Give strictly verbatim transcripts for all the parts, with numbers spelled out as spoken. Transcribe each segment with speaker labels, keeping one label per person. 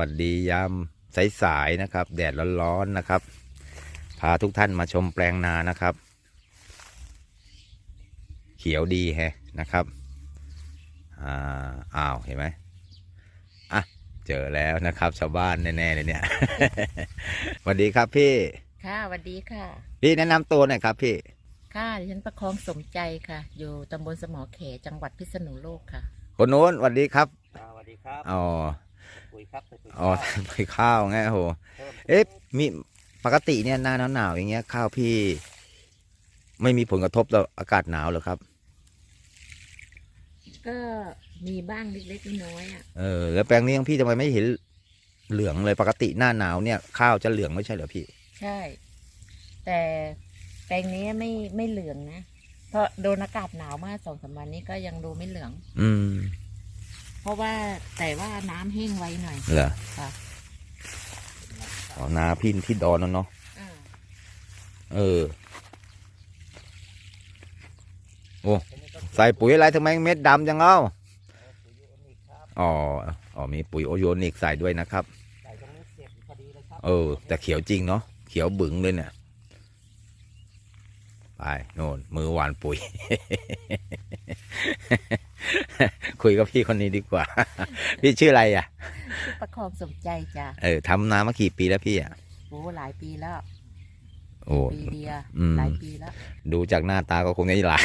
Speaker 1: วัสดียามสายๆนะครับแดดร้อนๆนะครับพาทุกท่านมาชมแปลงนานะครับ เขียวดีแฮะนะครับอ่าอ้าวเห็นไหมอ่ะเจอแล้วนะครับชาวบ้านแน่ๆเลยเนี่ย สวัสดีครับพี่
Speaker 2: ค่ะสวัสดีค่ะ
Speaker 1: พี่แนะนำตัวหน่อยครับพี่
Speaker 2: ค่ะดิฉันประคองสมใจค่ะอยู่ตำบลสมอเขจังหวัดพิษณุโลกค่ะ
Speaker 1: คนโน้นสวัสดีครับ
Speaker 3: สวัสดีครับ
Speaker 1: อ๋อ
Speaker 3: ปุ๋ยครับปุ๋ย
Speaker 1: อ๋อไปข้าวไงโหเอ๊ะมีปกติเนี่ยหน้าหนาวๆอย่างเงี้ยข้าวพี่ไม่มีผลกระทบต่ออากาศหนาวหรอครับ
Speaker 2: ก็มีบ้างเล็กๆน้อยๆอ่ะ
Speaker 1: เออแล้วแปลงนี้ของพี่ทำไมไม่เห็นเหลืองเลยปกติหน้าหนาวเนี่ยข้าวจะเหลืองไม่ใช่เหรอพี่
Speaker 2: ใช่แต่แปลงนี้ไม่ไม่เหลืองนะเพราะโดนอากาศหนาวมากสองสามวันนี้ก็ยังดูไม่เหลือง
Speaker 1: อืม
Speaker 2: เพราะว่าแต่ว่าน้ำแห้งไวหน่อย
Speaker 1: เหรอ
Speaker 2: ค่ะ
Speaker 1: อ๋อนาพี่ที่ดอนนั่นเนาะเออโอ้ใส่ปุ๋ยอะไรทำไมเม็ดดำจังเอ้าอ๋ออ๋อมีปุ๋ยโอโยนิกใส่ด้วยนะครับเออแต่เขียวจริงเนาะเขียวบึ๋งเลยเนี่ยไปโน่นมือหวานปุ๋ย คุยกับพี่คนนี้ดีกว่า พี่ชื่ออะไรอ่ะ
Speaker 2: ชื่อประคองสมใจจ้ะ
Speaker 1: เออทำนามากี่ปีแล้วพี่อ่ะ
Speaker 2: โอ้หลายปีแล้ว
Speaker 1: โอ้
Speaker 2: ปีเดียวหลายปีแล้ว
Speaker 1: ดูจากหน้าตาก็คงจะหลาย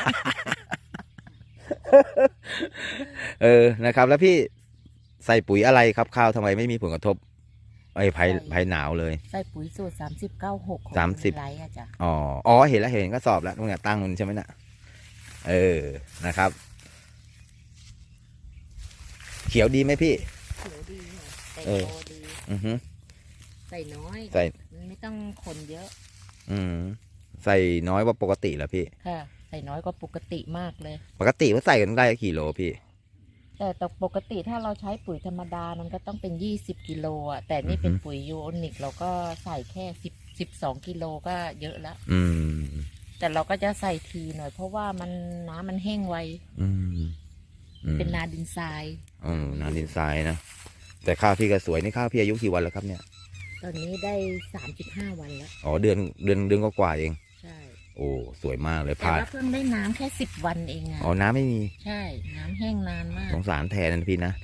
Speaker 1: เออนะครับแล้วพี่ใส่ปุ๋ยอะไรครับข้าวทำไมไม่มีผลกระทบไอ้ภัยภัยหนาวเลย
Speaker 2: ใส่ปุ๋ยสูตรสามสิบเก้าหก
Speaker 1: สามสิบ
Speaker 2: ไรอะจ้ะ
Speaker 1: อ๋ออ๋อเห็นแล้วเห็นก็สอบแล้วตรงเนี้ยตั้งมันใช่ไหมน่ะเออนะครับเขียวดีไหมพี่
Speaker 2: เขียวดีใส่โตดี
Speaker 1: อือฮึ
Speaker 2: ใส่น้อย
Speaker 1: ใส่
Speaker 2: ไม่ต้องคนเยอะ
Speaker 1: อืมใส่น้อยกว่าปกติเหรอพี่
Speaker 2: ค่ะใส่น้อยกว่าปกติมากเลย
Speaker 1: ปกติว่าใส่กันได้กี่โลพี่
Speaker 2: แต่แต่ปกติถ้าเราใช้ปุ๋ยธรรมดามันก็ต้องเป็นยี่สิบกิโลอ่ะแต่นี่เป็นปุ๋ยยูโอนิกเราก็ใส่แค่สิบสิบสองกิโลก็เยอะแล้ว
Speaker 1: อืม
Speaker 2: แต่เราก็จะใส่ทีหน่อยเพราะว่ามันน้ำมันแห้งไว
Speaker 1: อืม
Speaker 2: เป็นนาดินทราย
Speaker 1: อืมนาดินทรายนะแต่ข้าวพี่ก็สวยนี่ข้าวพี่อายุกี่วันแล้วครับเนี่ย
Speaker 2: ตอนนี้ได้สามสิบห้าวันแล้ว
Speaker 1: อ๋อเดือนเดือนเดือนก็กว่าเอง
Speaker 2: ใช่
Speaker 1: โอ้สวยมากเลย
Speaker 2: ผ่านแต่ว่าเพิ่งได้น้ำแค่สิบวันเองอ่ะ
Speaker 1: อ๋อน้ำไม่มี
Speaker 2: ใช่น้ำแห้งนานมาก
Speaker 1: สงสารแทนนะพี่นะ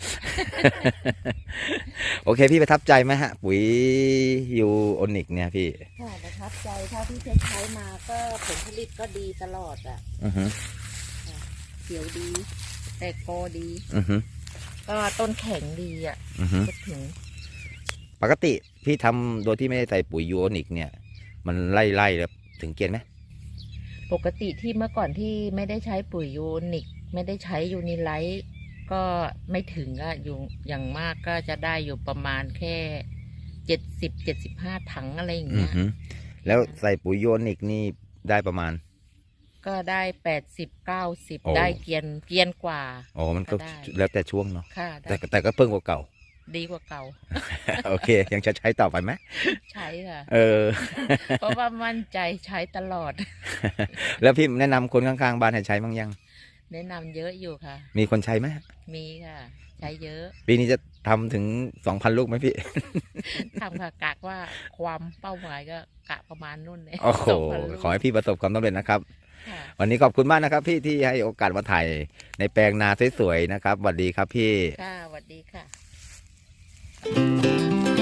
Speaker 1: โอเคพี่ประทับใจไหมฮะปุ๋ยยูโอนิกเนี่ยพี่
Speaker 2: ค่ะประทับใจเท่าที่ใช้มาก็ผลผลิตก็ดีตลอดอ่ะ
Speaker 1: อือฮึ
Speaker 2: เขียวดีแตกกอดี
Speaker 1: อือฮึ
Speaker 2: ก็ต้นแข็งดีอ่ะ
Speaker 1: อือฮึ
Speaker 2: ถึง
Speaker 1: ปกติพี่ทำโดยที่ไม่ได้ใส่ปุ๋ยยูโอนิกเนี่ยมันไล่ไล่แล้วถึงเกณฑ์ไหม
Speaker 2: ปกติที่เมื่อก่อนที่ไม่ได้ใช้ปุ๋ยยูนิคไม่ได้ใช้ยูนิไลท์ก็ไม่ถึงอะอยู่อย่างมากก็จะได้อยู่ประมาณแค่เจ็ดสิบเจ็ดสิบห้าถังอะไรอย่างเงี้ย
Speaker 1: แล้วใส่ปุ๋ยยูนิคนี่ได้ประมาณ
Speaker 2: ก็ได้แปดสิบเก้าสิบได้เกียนเกียนกว่า
Speaker 1: อ๋อมันก็แล้วแต่ช่วงเนาะแต่แต่ก็เพิ่งกว่าเก่า
Speaker 2: ดีกว่าเก่า
Speaker 1: โอเคยังจะใช้ต่อไปไหม
Speaker 2: ใช้ค่ะ
Speaker 1: เออ
Speaker 2: เพราะว่ามั่นใจใช้ตลอด
Speaker 1: แล้วพี่แนะนำคนข้างๆบ้านให้ใช้บ้างยัง
Speaker 2: แนะนำเยอะอยู่ค่ะ
Speaker 1: มีคนใช้ไหม
Speaker 2: มีค่ะใช้เยอะ
Speaker 1: ปีนี้จะทำถึงสองพันลูกไหมพี่
Speaker 2: ทำค่ะกะว่าความเป้าหมายก็กะประมาณนู่นเลย
Speaker 1: โอ้โหขอให้พี่ประสบความสำเร็จนะครับวันนี้ขอบคุณมากนะครับพี่ที่ให้โอกาสมาถ่ายในแปลงนาสวยๆนะครับสวัสดีครับพี่
Speaker 2: ค่ะสวัสดีค่ะ